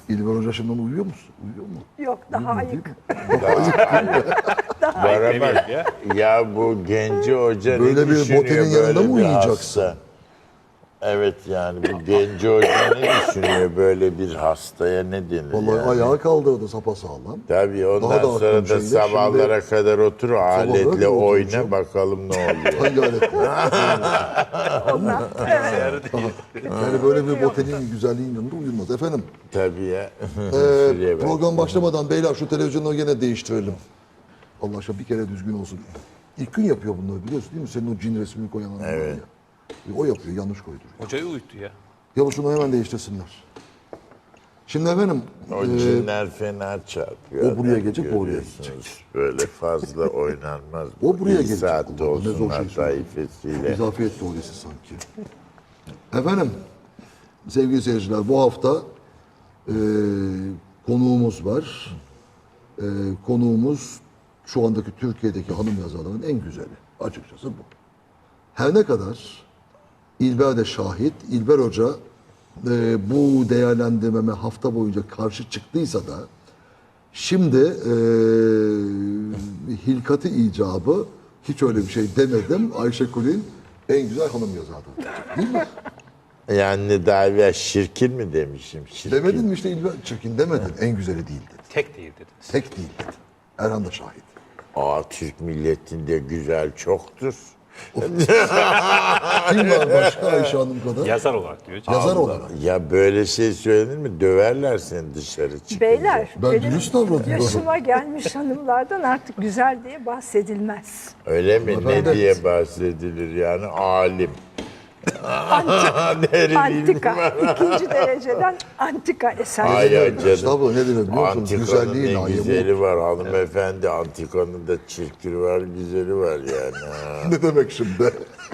İlber Hoca şimdi uyuyor musun? Uyuyor mu? Yok, daha ayık. Var ama ya bu Genci Hoca Böyle ne bir düşünüyor botenin böyle yanında mı bir uyuyacaksın? hasta? Evet yani bu Genci Hoca ne düşünüyor böyle bir hastaya ne denir Vallahi yani? ayağa kaldırdı sapasağlam. Tabii ondan Daha da sonra aklım da şeyde, sabahlara kadar otur o aletle kadar oyna oturacağım. bakalım ne oluyor. Hangi aletle? Yani böyle bir botenin güzelliğin yanında uyulmaz. Efendim, Tabii ya. Şuraya bak. program başlamadan beyler şu televizyonu gene değiştirelim. Allah aşkına bir kere düzgün olsun. İlk gün yapıyor bunları biliyorsun değil mi? Senin o cin resmini koyan adam var ya. O yapıyor, yanlış koyduruyor. Hocayı uyuttu ya. Ya şunu hemen değiştirsinler. Şimdi efendim, O cinler fena çarpıyor. o buraya gelecek, bu oraya Görüyorsunuz. Böyle fazla oynanmaz. O buraya Bir gelecek. saatte Ne zor olsunlar şey söylüyor. taifesiyle. İzafiyet teorisi sanki. Efendim, sevgili seyirciler, bu hafta konuğumuz var. Konuğumuz şu andaki Türkiye'deki hanım yazarların en güzeli. Açıkçası bu. Her ne kadar İlber de şahit, İlber Hoca bu değerlendirmeme hafta boyunca karşı çıktıysa da şimdi hilkati icabı hiç öyle bir şey demedim. Ayşe Kulin en güzel hanım yazarı. Değil mi? Yani daha evvel şirkin mi demişim? Şirkin. Demedin mi işte İlber çirkin demedin. En güzeli değil dedi. Tek değil dediniz. Tek değil dedi. Erhan da şahit. Türk milletinde güzel çoktur. Kim var başka Ayşe Hanım kadar? Yazar olarak diyor. Yazar olarak. Ya böyle şey söylenir mi? Döverler seni dışarı çıkınca. Beyler, Ben benim dürüst davranıyorum. yaşıma gelmiş hanımlardan artık güzel diye bahsedilmez. Öyle mi? Ne Evet. diye bahsedilir yani? Alim. Antika, ikinci dereceden antika eser. Ay ya canım. Estağfurullah ne demek biliyor musun? Antikanın Güzelliği ne layığı güzeli var hanımefendi. Antikanın da çirkini var, güzeli var yani. Ha. Ne demek şimdi?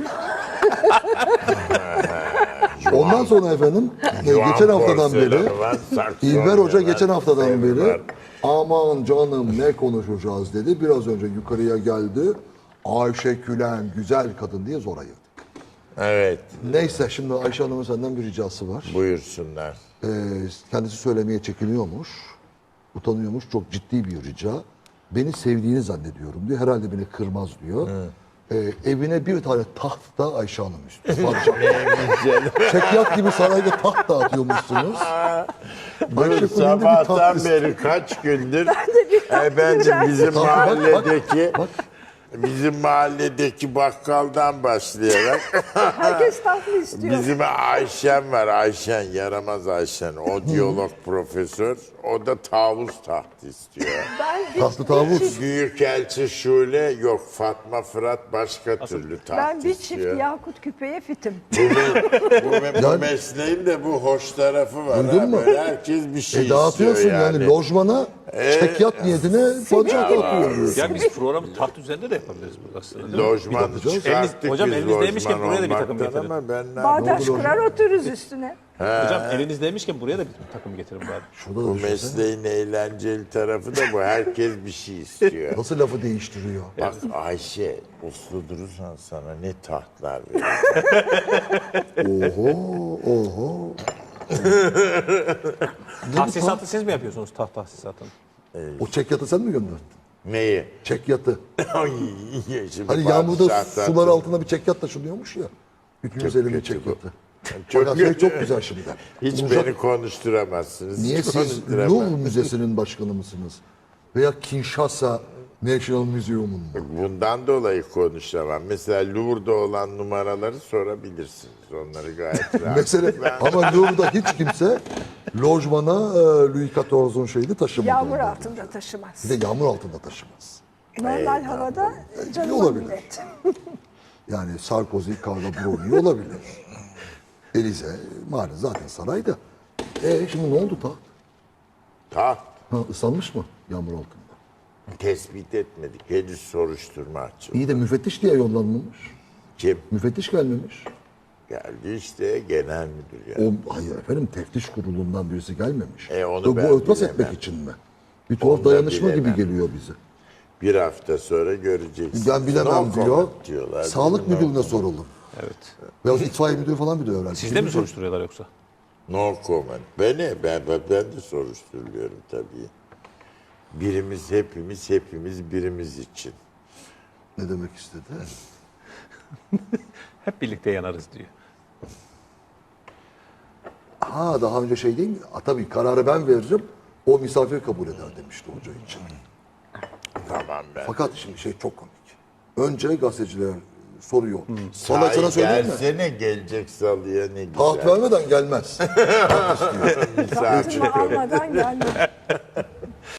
Ondan sonra efendim Juan geçen haftadan beri porselen var, saksonya İlber Hoca var, geçen haftadan sevgi beri var. aman canım ne konuşacağız dedi. Biraz önce yukarıya geldi. Ayşe Külen güzel kadın diye zor ayırdık. Evet, Neyse şimdi Ayşe Hanım'ın senden bir ricası var. buyursunlar. Kendisi söylemeye çekiniyormuş. Utanıyormuş. Çok ciddi bir rica. Beni sevdiğini zannediyorum diyor. Herhalde beni kırmaz diyor. Evine bir tane taht da Ayşe Hanım istiyor. Çekyat gibi sarayda taht dağıtıyormuşsunuz. Ayşe Kulin'de bir taht Sabahtan istiyor. beri kaç gündür taht efendim bizim Tabii, bak, mahalledeki bak. bizim mahalledeki bakkaldan başlayarak Herkes tatlı istiyor. bizim Ayşen var. Ayşen, yaramaz Ayşen. O diyalog profesör. O da tavus tahtı istiyor. Ben bir, Tahtlı tavus. bir çift, Büyükelçi Şule yok. Fatma Fırat başka türlü taht ben bir çift istiyor. yakut küpeye fitim. Bu mesleğin de bu hoş tarafı var. Duydun ha. mu? Böyle herkes bir şey Dağıtıyorsun istiyor yani. Lojmana çekyat niyetine padişah dağıtıyorsun. Ya biz programı taht üzerinde de yapabiliriz burada aslında. değil mi? Lojman çıkarttık Hocam biz elinizdeymişken lojman buraya da bir takım olmaktan getirin. ama ben ne Bağdaş kurar otururuz üstüne. Hocam elinizdeymişken buraya da bir takım getirin bari. Şurada da Bu düşünsene. mesleğin eğlenceli tarafı da bu. Herkes bir şey istiyor. Nasıl lafı değiştiriyor? Bak Ayşe, uslu durursan sana ne tahtlar verir. Oho, oho. Tahsisatı siz mi yapıyorsunuz taht tahsisatını? O çekyatı sen mi gönderdin? Neyi? Çekyatı. Ay, şimdi Hani yağmurda padişahtan- sular altında bir çekyat taşınıyormuş ya. 350 kötü bu. çekyatı. Çok Fakat şey kötü. çok güzel şimdi. Hiç Uzak- beni konuşturamazsınız. Niye hiç siz konuşturamaz. Louvre Müzesi'nin başkanı mısınız? Veya Kinshasa National Museum'un mu? Bundan dolayı konuşamam. Mesela Louvre'da olan numaraları sorabilirsiniz. Onları gayet rahat. Mesela ama Louvre'da hiç kimse lojmana Louis XIV'un şeyini taşımadı. Yağmur altında taşımaz. Bir de yağmur altında taşımaz. Normal havada canım olabilir. millet. Yani Sarkozy, Carla Bruni olabilir. Elize, maalesef zaten sarayda. Şimdi ne oldu taht? Taht Ha, ıslanmış mı yağmur altında? tespit etmedik. Henüz soruşturma açıldı. İyi de müfettiş diye yollanmamış. Kim? Müfettiş gelmemiş. Geldi işte genel müdür yani. Hayır efendim teftiş kurulundan birisi gelmemiş. Onu Bu ben örtbas bilemem. etmek için mi? Bir tuhaf Onu da dayanışma gibi bilemem. geliyor bize. Bir hafta sonra göreceksiniz. Ben bilemem No diyor. comment diyorlar. Sağlık No müdürüne comment. soralım. Evet. Veya itfaiye müdürü falan bir de öğrenci. Sizde mi soruşturuyorlar yoksa? No comment. Ben de soruşturuluyorum tabii. Birimiz hepimiz birimiz için. Ne demek istedi? Hep birlikte yanarız diyor. Ha daha önce şey değil mi? Tabii kararı ben veririm. O misafir kabul eder demişti hoca için. Tamam ben. Fakat şimdi şey çok komik. Önce gazeteciler soruyor. Sana Sahi sana söyleyeyim mi? gelsene gelecek salıya ne güzel. Taht vermeden gelmez. Misafir Tahtımı almadan gelmem.